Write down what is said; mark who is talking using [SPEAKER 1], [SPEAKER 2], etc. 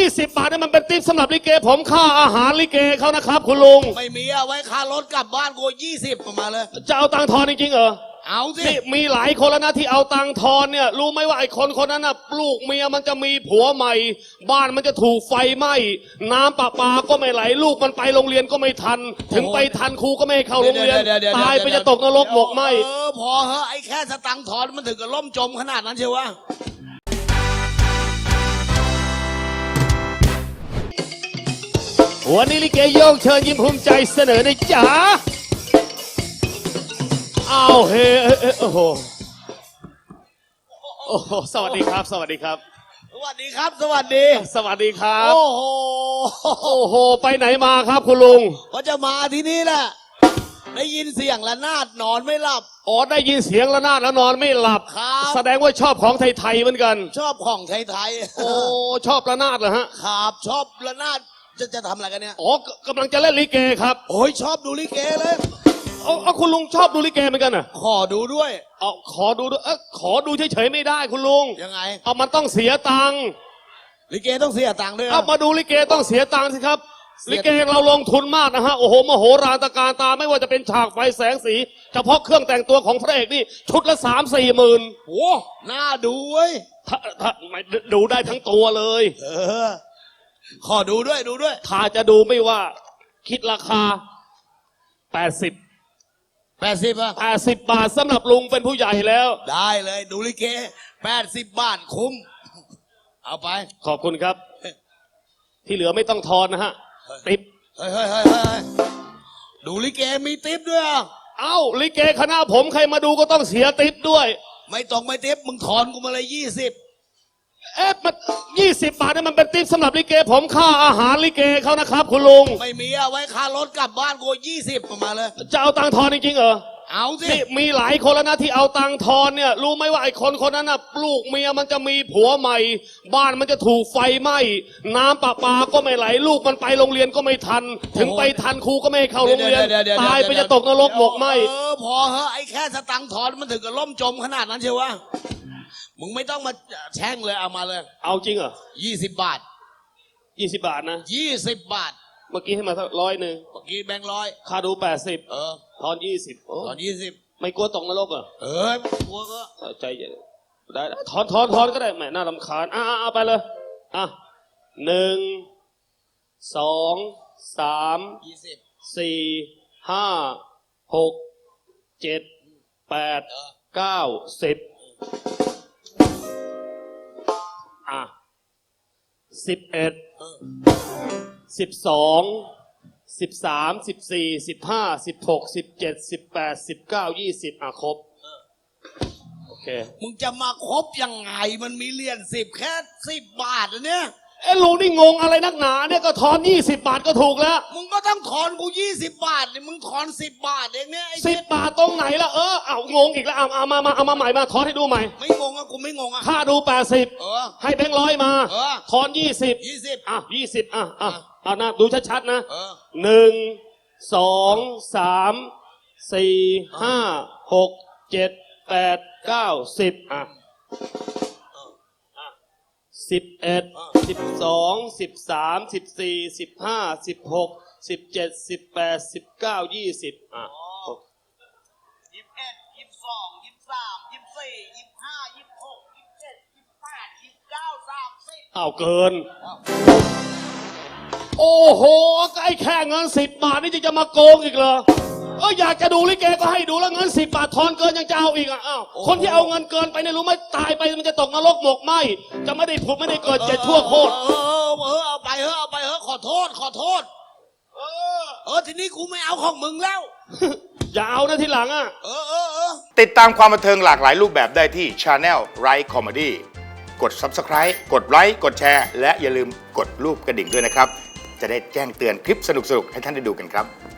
[SPEAKER 1] 20 บาทนี่มันเป็นติ๊บสำหรับลิเกผมค่าอาหารลิเกเขานะครับคุณลุง
[SPEAKER 2] ไม่มีเอาไว้ค่ารถกลับบ้านกู20มาเลย
[SPEAKER 1] จะเอาตังค์ทอนจริงๆเหรอ
[SPEAKER 2] เอาสิ
[SPEAKER 1] นี่มีหลายคนแล้วนะที่เอาตังค์ทอนเนี่ยรู้ไหมว่าไอ้คนนั้นน่ะลูกเมียมันจะมีผัวใหม่บ้านมันจะถูกไฟไหม้น้ำประปาก็ไม่ไหลลูกมันไปโรงเรียนก็ไม่ทันถึงไปทันครูก็ไม่ให้เข้าโรงเรียนตายไปจะตกนรกหมกไหม
[SPEAKER 2] พอเหอะไอ้แค่สตังค์ทอนมันถึงกับล่มจมขนาดนั้นเชียววะ
[SPEAKER 1] วันนี้ลิเกโยกเชิญยิ้มภูมิใจเสนอในจ๋าอ้าวเฮ้โอ้โหโอ้โหสวัสดีครับสวัสดีครับ
[SPEAKER 2] สวัสดีครับสวัสดี
[SPEAKER 1] สวัสดีครับ
[SPEAKER 2] โอ้โห
[SPEAKER 1] โอ้โหไปไหนมาครับคุณลุง
[SPEAKER 2] ก็จะมาที่นี่แหละได้ยินเสียงระนาดนอนไม่หลับ
[SPEAKER 1] อ๋อได้ยินเสียงระนาดแล้วนอนไม่หลับ
[SPEAKER 2] ครับ
[SPEAKER 1] แสดงว่าชอบของไทยๆเหมือนกัน
[SPEAKER 2] ชอบของไทย
[SPEAKER 1] ๆโอ้ชอบระนาดเหรอฮะ
[SPEAKER 2] ครับชอบระนาดจะทำอะไรกันเนี่ย
[SPEAKER 1] อ๋อกำลังจะเล่นลิเกครับ
[SPEAKER 2] โอ้ยชอบดูลิเกเลย
[SPEAKER 1] เอาคุณลุงชอบดูลิเกเหมือนกันอ่ะ
[SPEAKER 2] ขอดูด้วย
[SPEAKER 1] เอาขอดูด้วยขอดูเฉยๆไม่ได้คุณลุง
[SPEAKER 2] ยังไง
[SPEAKER 1] เอามันต้องเสียตังค์
[SPEAKER 2] ลิเกต้องเสียตังค์ด้วย
[SPEAKER 1] เอามาดูลิเกต้องเสียตังค์สิครับลิเกเราลงทุนมากนะฮะโอ้โหมโหฬารตระการตาไม่ว่าจะเป็นฉากไฟแสงสีเฉพาะเครื่องแต่งตัวของพระเอกนี่ชุดละ3-4 หมื่น
[SPEAKER 2] โอ้น่าดูเว้ย
[SPEAKER 1] ถ้าไม่ดูได้ทั้งตัวเลย
[SPEAKER 2] ขอดูด้วย
[SPEAKER 1] ถ้าจะดูไม่ว่าคิดราคา80
[SPEAKER 2] อ่ะ
[SPEAKER 1] 80 บาทสำหรับลุงเป็นผู้ใหญ่แล้ว
[SPEAKER 2] ได้เลยดูลิเก80 บาทคุ้มเอาไป
[SPEAKER 1] ขอบคุณครับที่เหลือไม่ต้องทอนนะฮะติ๊บ
[SPEAKER 2] เฮ้ยดูลิเกมีติ๊บด้วย
[SPEAKER 1] เอ้าลิเกคณะผมใครมาดูก็ต้องเสียติ๊บด้วย
[SPEAKER 2] ไม่ต้องไม่ติ๊บมึงถอนกูมาเลย20
[SPEAKER 1] มัน20 บาทนี่มันเป็นติ๊บสำหรับลิเกผมค่าอาหารลิเกเขานะครับคุณลุง
[SPEAKER 2] ไม่มีเอาไว้ค่ารถกลับบ้านกู20มาเลย
[SPEAKER 1] จะเอาตังค์ทอนจริงๆเหรอ
[SPEAKER 2] เอาสิ
[SPEAKER 1] นี่มีหลายคนแล้วนะที่เอาตังค์ทอนเนี่ยรู้ไหมว่าไอ้คนนั้นน่ะลูกเมียมันจะมีผัวใหม่บ้านมันจะถูกไฟไหม้น้ำประปาก็ไม่ไหลลูกมันไปโรงเรียนก็ไม่ทันถึงไปทันครูก็ไม่ให้เข้าโรงเรียนตายไปจะตกนรกหมกไหม
[SPEAKER 2] พอเหอะไอ้แค่สตังค์ทอนมันถึงกับล่มจมขนาดนั้นเชียววะมึงไม่ต้องมาแช่งเลยเอามาเลย
[SPEAKER 1] เอาจริงเหรอ
[SPEAKER 2] 20 บาท
[SPEAKER 1] 20 บาทนะ
[SPEAKER 2] 20 บาท
[SPEAKER 1] เมื่อกี้ให้มาสัก100เ
[SPEAKER 2] มื่อกี้แบงค์100
[SPEAKER 1] ค่าดู80ทอน20
[SPEAKER 2] ทอน20
[SPEAKER 1] ไม่กลัวตกนรกเหรอ
[SPEAKER 2] ไม่กลัวก็
[SPEAKER 1] ใจเย็นได้ทอนก็ได้แหมน่ารำคาญเอาไปเลย1 2 3 4 5 6 7 8 9 1011 12 13 14 15 16 17 18 19 20ครบโอเค
[SPEAKER 2] มึงจะมาครบยังไงมันมีเหรียญ10แค่10 บาทเนี่ย
[SPEAKER 1] ลุงนี่งงอะไรนักหนาเนี่ยก็ทอน20 บาทก็ถูกแล้ว
[SPEAKER 2] มึงก็ต้องถอนกู20 บาทนี่มึงถอน10 บาทเองเนี่ย
[SPEAKER 1] 10 บาทตรงไหนล่ะเอางงอีกแล้วเอามาใหม่มาทอนให้ดูใหม่
[SPEAKER 2] ไม่งงอ่ะกูไม่งงอ่ะ
[SPEAKER 1] ค่าดู80ให้แบงค์100มาทอน20นะดูชัดๆนะ1 2 3 4 5 6 7 8 9 1011 12 13 14 15 16 17 18 19 20
[SPEAKER 2] 21 22 23 24 25 26 27 28 29 30
[SPEAKER 1] เอาเกินโอ้โหไอ้แค่เงิน10 บาทนี่จะมาโกงอีกเหรออยากจะดูลิเกก็ให้ดูแล้วเงิน10 บาททอนเกินยังจะเอาอีกคนที่เอาเงินเกินไปเนี่ยรู้ไหมตายไปมันจะตกนรกหมกไหมจะไม่ได้ผุดไม่ได้เกิดเจ็ดชั่วโคตร
[SPEAKER 2] เอาไปเถอะขอโทษทีนี้กูไม่เอาของมึงแล้ว
[SPEAKER 1] อย่าเอานะทีหลัง
[SPEAKER 3] ติดตามความบันเทิงหลากหลายรูปแบบได้ที่ Channel Right Comedy กด Subscribe กดไลค์กดแชร์และอย่าลืมกดรูปกระดิ่งด้วยนะครับจะได้แจ้งเตือนคลิปสนุกๆให้ท่านได้ดูกันครับ